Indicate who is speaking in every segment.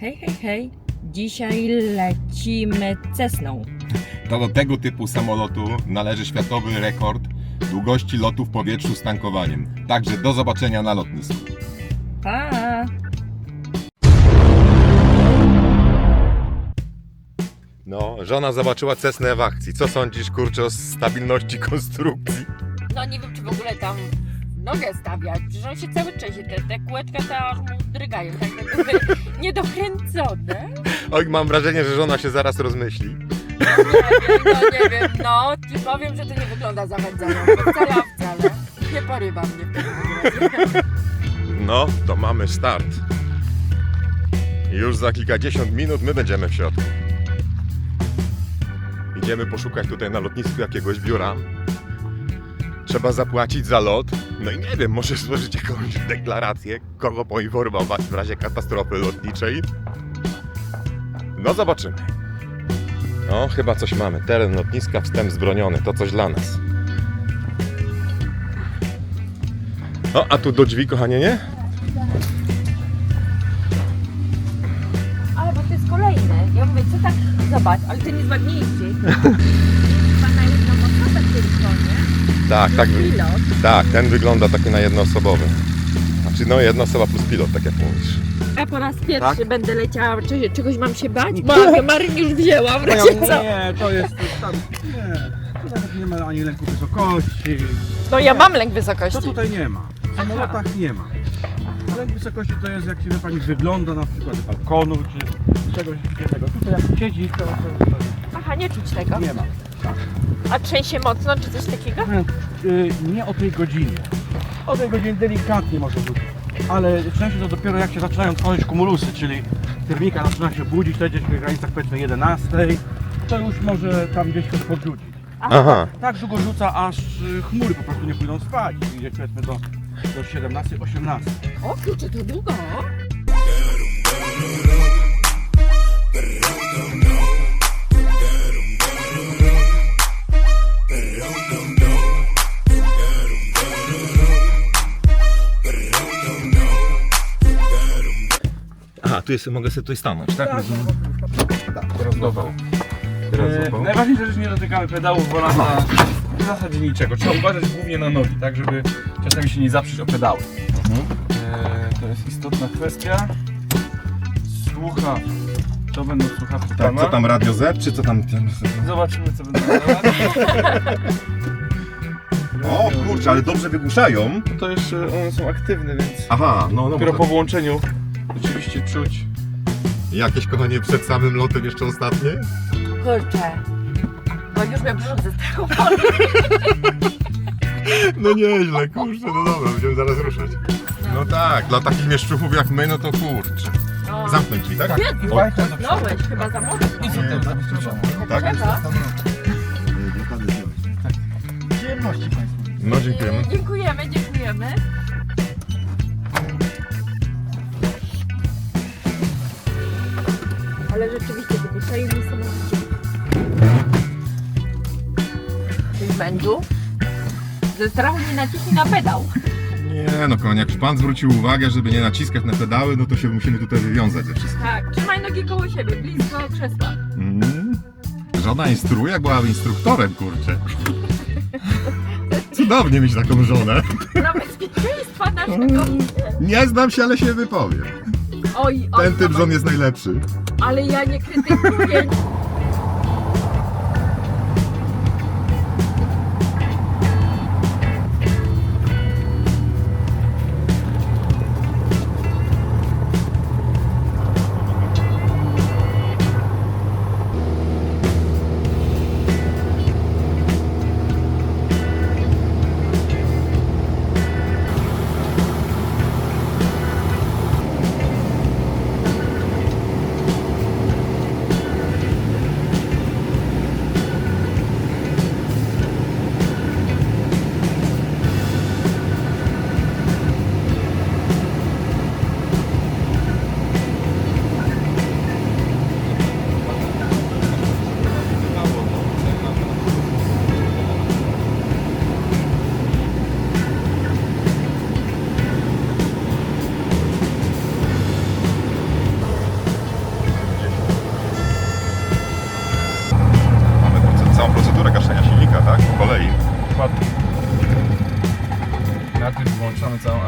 Speaker 1: Hej, hej, hej. Dzisiaj lecimy Cessną.
Speaker 2: To do tego typu samolotu należy światowy rekord długości lotu w powietrzu z tankowaniem. Także do zobaczenia na lotnisku.
Speaker 1: Pa!
Speaker 2: No, żona zobaczyła Cessnę w akcji. Co sądzisz, kurczę, o stabilności konstrukcji?
Speaker 1: No nie wiem, czy w ogóle tam nogę stawiać, że on się cały trzęsie. Te kółeczka to aż mu drgają, tak jakby niedokręcone.
Speaker 2: Oj, mam wrażenie, że żona się zaraz rozmyśli.
Speaker 1: Nie wiem, no ci powiem, że to nie wygląda zachęcająco. Wcale. Nie porywa mnie w takim razie.
Speaker 2: No, to mamy start. Już za kilkadziesiąt minut my będziemy w środku. Idziemy poszukać tutaj na lotnisku jakiegoś biura. Trzeba zapłacić za lot. No i nie wiem, może złożyć jakąś deklarację, kogo poinformować w razie katastrofy lotniczej. No zobaczymy. No, chyba coś mamy. Teren lotniska, wstęp zbroniony. To coś dla nas. O, a tu do drzwi, kochanie, nie?
Speaker 1: Ale bo to jest kolejny. Ja mówię, co tak, zobacz, ale ten jest ładniejszy. Chyba na jedną osobę tylko, nie?
Speaker 2: Tak.
Speaker 1: Pilot.
Speaker 2: Tak, ten wygląda taki na jednoosobowy. Znaczy, no, jedna osoba plus pilot, tak jak mówisz.
Speaker 1: Ja po raz pierwszy
Speaker 2: Tak?
Speaker 1: będę leciała. Czegoś mam się bać? Maryn już wzięła, w razie co?
Speaker 3: Nie, to jest tam. Nie, tu nawet nie ma ani lęku wysokości.
Speaker 1: No ja mam lęk
Speaker 3: To
Speaker 1: wysokości.
Speaker 3: tutaj nie ma. W samolotach nie ma. Lęk wysokości to jest, jak się pani wygląda na przykład z balkonu czy czegoś takiego. Tutaj jak siedzi, to
Speaker 1: Aha, nie czuć tego.
Speaker 3: nie ma.
Speaker 1: A trzęsie mocno, czy coś takiego?
Speaker 3: Nie o tej godzinie. O tej godzinie delikatnie może być. Ale częściej to dopiero jak się zaczynają tworzyć kumulusy, czyli termika zaczyna się budzić, to gdzieś w granicach powiedzmy 11, to już może tam gdzieś coś podrzucić.
Speaker 2: Aha.
Speaker 3: Tak długo rzuca, aż chmury po prostu nie pójdą spać. Idzie powiedzmy do 17, 18.
Speaker 1: O kurczę, to długo.
Speaker 2: Aha, tu jest, mogę sobie tutaj stanąć, tak? Tak, teraz złapał.
Speaker 3: Najważniejsza rzecz, nie dotykamy pedałów volanta w zasadzie niczego. Trzeba uważać głównie na nogi, tak żeby czasami się nie zaprzeć o pedały. To jest istotna kwestia. Słucha. To będą słuchawki
Speaker 2: Tak,
Speaker 3: pana.
Speaker 2: co tam Radio Z, czy co tam?
Speaker 3: Zobaczymy co będą.
Speaker 2: O kurczę, ale dobrze wygłuszają.
Speaker 3: To jeszcze one są aktywne, więc
Speaker 2: Aha, no
Speaker 3: dopiero po włączeniu rzeczywiście czuć.
Speaker 2: Jakieś, kochanie, przed samym lotem jeszcze ostatnie?
Speaker 1: Kurczę. Bo już mnie brzuch ze strachu.
Speaker 2: No nieźle, kurczę, no dobra, będziemy zaraz ruszać. No tak, dla takich mieszczuchów jak my, no to kurczę.
Speaker 1: No.
Speaker 2: Zamknąć drzwi, tak?
Speaker 1: Jezu,
Speaker 2: Oj,
Speaker 1: zamknąłeś chyba za mocno.
Speaker 2: tak?
Speaker 1: Trzeba.
Speaker 3: Przyjemności Państwu.
Speaker 2: No dziękujemy.
Speaker 1: Dziękujemy. Ale rzeczywiście wygłuszają niesamowicie. Tych mężu ze strachu nie naciśnij na pedał.
Speaker 2: Nie no, kochanie, jak już pan zwrócił uwagę, żeby nie naciskać na pedały, no to się musimy tutaj wywiązać ze wszystkim.
Speaker 1: Tak, trzymaj nogi koło siebie, blisko krzesła.
Speaker 2: Żona instruuje, jak była instruktorem, kurczę. Cudownie mieć taką żonę.
Speaker 1: Dla bezpieczeństwa naszego.
Speaker 2: Nie znam się, ale się wypowiem.
Speaker 1: Oj,
Speaker 2: Ten typ żon jest najlepszy.
Speaker 1: ale ja nie krytykuję.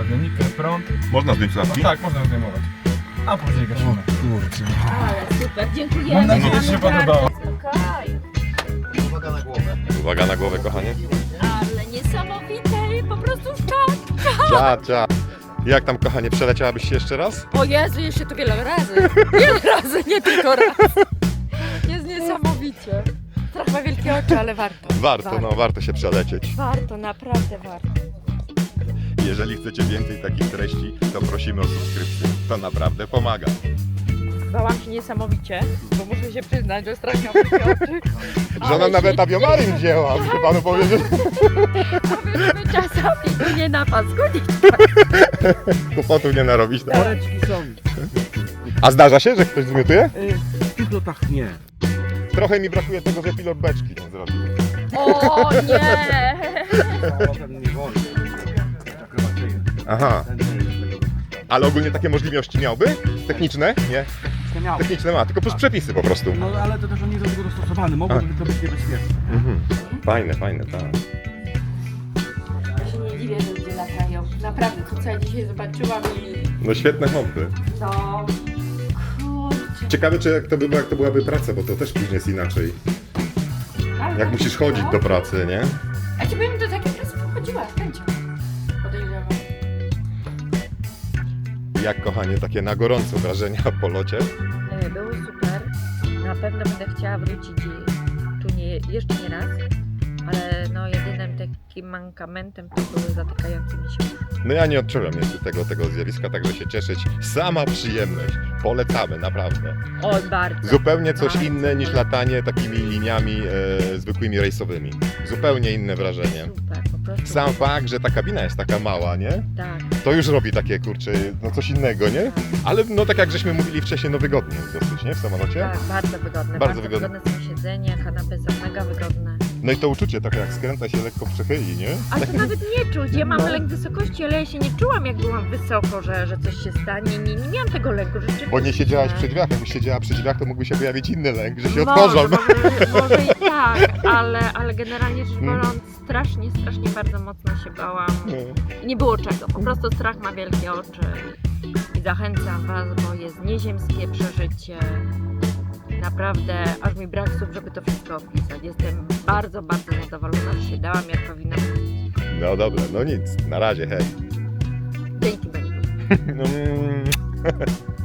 Speaker 3: awionikę, prąd.
Speaker 2: Można zdjąć
Speaker 3: No
Speaker 2: słuchawki?
Speaker 3: tak, można zdejmować. A później gasimy.
Speaker 2: Kurczę.
Speaker 1: Ale super, dziękujemy.
Speaker 3: Mam nadzieję, że się podobało.
Speaker 1: Spokojnie.
Speaker 2: Uwaga na głowę, kochanie.
Speaker 1: Ale niesamowite i po prostu szok.
Speaker 2: Cia. Jak tam, kochanie, przeleciałabyś się jeszcze raz?
Speaker 1: O Jezu, jeszcze to wiele razy. Wiele razy, nie tylko raz. Jest niesamowicie. Trochę ma wielkie oczy, ale warto.
Speaker 2: Warto się przelecieć.
Speaker 1: Warto, naprawdę warto.
Speaker 2: Jeżeli chcecie więcej takich treści, to prosimy o subskrypcję. To naprawdę pomaga.
Speaker 1: Bałam się niesamowicie, bo muszę się przyznać, że strasznie mam wielkie oczy.
Speaker 2: Żona nawet awiomaryn wzięła, muszę panu powiedzieć.
Speaker 1: Powiedzmy czasami nie na pasku,
Speaker 2: Kłopotów nie narobić. Tak?
Speaker 4: Woreczki są.
Speaker 2: A zdarza się, że ktoś zmiotuje?
Speaker 4: W tych lotach nie.
Speaker 2: Trochę mi brakuje tego, że pilot beczki nie zrobił.
Speaker 1: O nie!
Speaker 4: Ten nie wolno. Akrobacyjny.
Speaker 2: Aha,
Speaker 4: Ten nie jest tego.
Speaker 2: ale ogólnie takie możliwości miałby? Techniczne? Nie.
Speaker 4: Nie miał.
Speaker 2: Techniczne ma, tylko przez przepisy po prostu.
Speaker 4: No ale to też on nie jest do tego dostosowany. Mogłoby to być niebezpieczne.
Speaker 2: Mhm. Fajne, tak.
Speaker 1: Ja się nie dziwię, że ludzie latają. Naprawdę, to co ja dzisiaj zobaczyłam i...
Speaker 2: No świetne hobby.
Speaker 1: No... Kurczę.
Speaker 2: Ciekawe, czy jak to byłaby praca, bo to też później jest inaczej.
Speaker 1: Ale
Speaker 2: Jak musisz chodzić do pracy, nie?
Speaker 1: A ci bym do takiej pracy pochodziła, z chęcią. Podejrzewam.
Speaker 2: Jak, kochanie, takie na gorąco wrażenia po locie?
Speaker 1: Były super. Na pewno będę chciała wrócić tu jeszcze nie raz. Ale no jedynym takim mankamentem to były zatykające mi się uszy.
Speaker 2: No ja nie odczułem jeszcze tego zjawiska, także się cieszyć. Sama przyjemność. Polecamy, naprawdę.
Speaker 1: Oj, bardzo.
Speaker 2: Zupełnie coś
Speaker 1: Bardzo
Speaker 2: inne niż latanie takimi liniami zwykłymi rejsowymi. Zupełnie inne wrażenie.
Speaker 1: Super, po prostu.
Speaker 2: Sam fakt, że ta kabina jest taka mała, nie?
Speaker 1: Tak.
Speaker 2: To już robi takie, kurczę, no coś innego, nie? Ale no tak jak żeśmy mówili wcześniej, no wygodnie jest dosyć, nie? W samolocie.
Speaker 1: Tak, bardzo wygodne.
Speaker 2: Bardzo wygodne.
Speaker 1: są siedzenia, kanapy są mega wygodne.
Speaker 2: No i to uczucie, tak jak skręca się lekko przechyli, nie?
Speaker 1: Ale to nawet nie czuć. Ja mam lęk wysokości, ale ja się nie czułam, jak byłam wysoko, że coś się stanie. Nie miałam tego lęku rzeczywiście.
Speaker 2: Bo nie siedziałaś przy drzwiach, jakbyś siedziała przy drzwiach, to mógłby się pojawić inny lęk, że się otworzą.
Speaker 1: Może i tak, ale generalnie rzecz biorąc, strasznie bardzo mocno się bałam. I nie było czego. Po prostu strach ma wielkie oczy. I zachęcam Was, bo jest nieziemskie przeżycie. Naprawdę, aż mi brak słów, żeby to wszystko opisać. Jestem bardzo zadowolona, że się dałam, jak powinnam być.
Speaker 2: No dobra, no nic, na razie, hej.
Speaker 1: Dzięki, Beniu.
Speaker 2: No,